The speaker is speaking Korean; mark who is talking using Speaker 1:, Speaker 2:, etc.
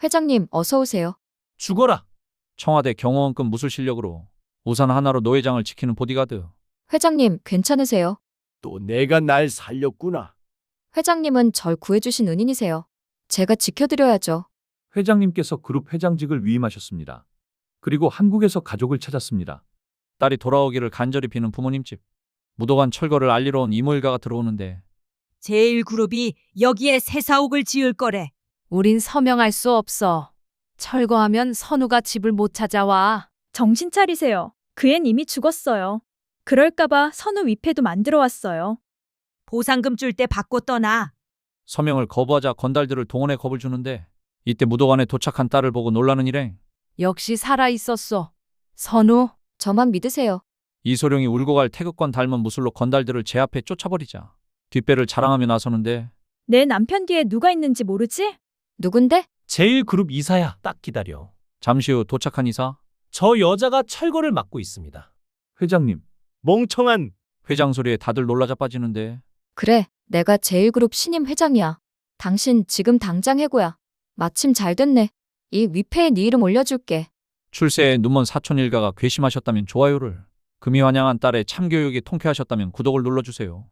Speaker 1: 회장님, 어서 오세요.
Speaker 2: 죽어라.
Speaker 3: 청와대 경호원급 무술 실력으로 우산 하나로 노회장을 지키는 보디가드.
Speaker 1: 회장님, 괜찮으세요?
Speaker 2: 또 내가 날 살렸구나.
Speaker 1: 회장님은 절 구해주신 은인이세요. 제가 지켜드려야죠.
Speaker 4: 회장님께서 그룹 회장직을 위임하셨습니다. 그리고 한국에서 가족을 찾았습니다.
Speaker 3: 딸이 돌아오기를 간절히 비는 부모님 집. 무도관 철거를 알리러 온 이모 일가가 들어오는데
Speaker 5: 제1그룹이 여기에 새 사옥을 지을 거래.
Speaker 6: 우린 서명할 수 없어. 철거하면 선우가 집을 못 찾아와.
Speaker 7: 정신 차리세요. 그 앤 이미 죽었어요. 그럴까봐 선우 위패도 만들어 왔어요.
Speaker 5: 보상금 줄 때 받고 떠나.
Speaker 3: 서명을 거부하자 건달들을 동원해 겁을 주는데 이때 무도관에 도착한 딸을 보고 놀라는 일행.
Speaker 6: 역시 살아 있었어. 선우,
Speaker 1: 저만 믿으세요.
Speaker 3: 이소룡이 울고 갈 태극권 닮은 무술로 건달들을 제 앞에 쫓아버리자 뒷배를 자랑하며 나서는데
Speaker 7: 내 남편 뒤에 누가 있는지 모르지?
Speaker 1: 누군데?
Speaker 2: 제1그룹 이사야. 딱 기다려.
Speaker 3: 잠시 후 도착한 이사.
Speaker 2: 저 여자가 철거를 맡고 있습니다.
Speaker 4: 회장님,
Speaker 2: 멍청한.
Speaker 3: 회장 소리에 다들 놀라 자빠지는데
Speaker 1: 그래, 내가 제1그룹 신임 회장이야. 당신 지금 당장 해고야. 마침 잘 됐네. 이 위패에 네 이름 올려줄게.
Speaker 3: 출세에 눈먼 사촌 일가가 괘씸하셨다면 좋아요를, 금이 환영한 딸의 참교육이 통쾌하셨다면 구독을 눌러주세요.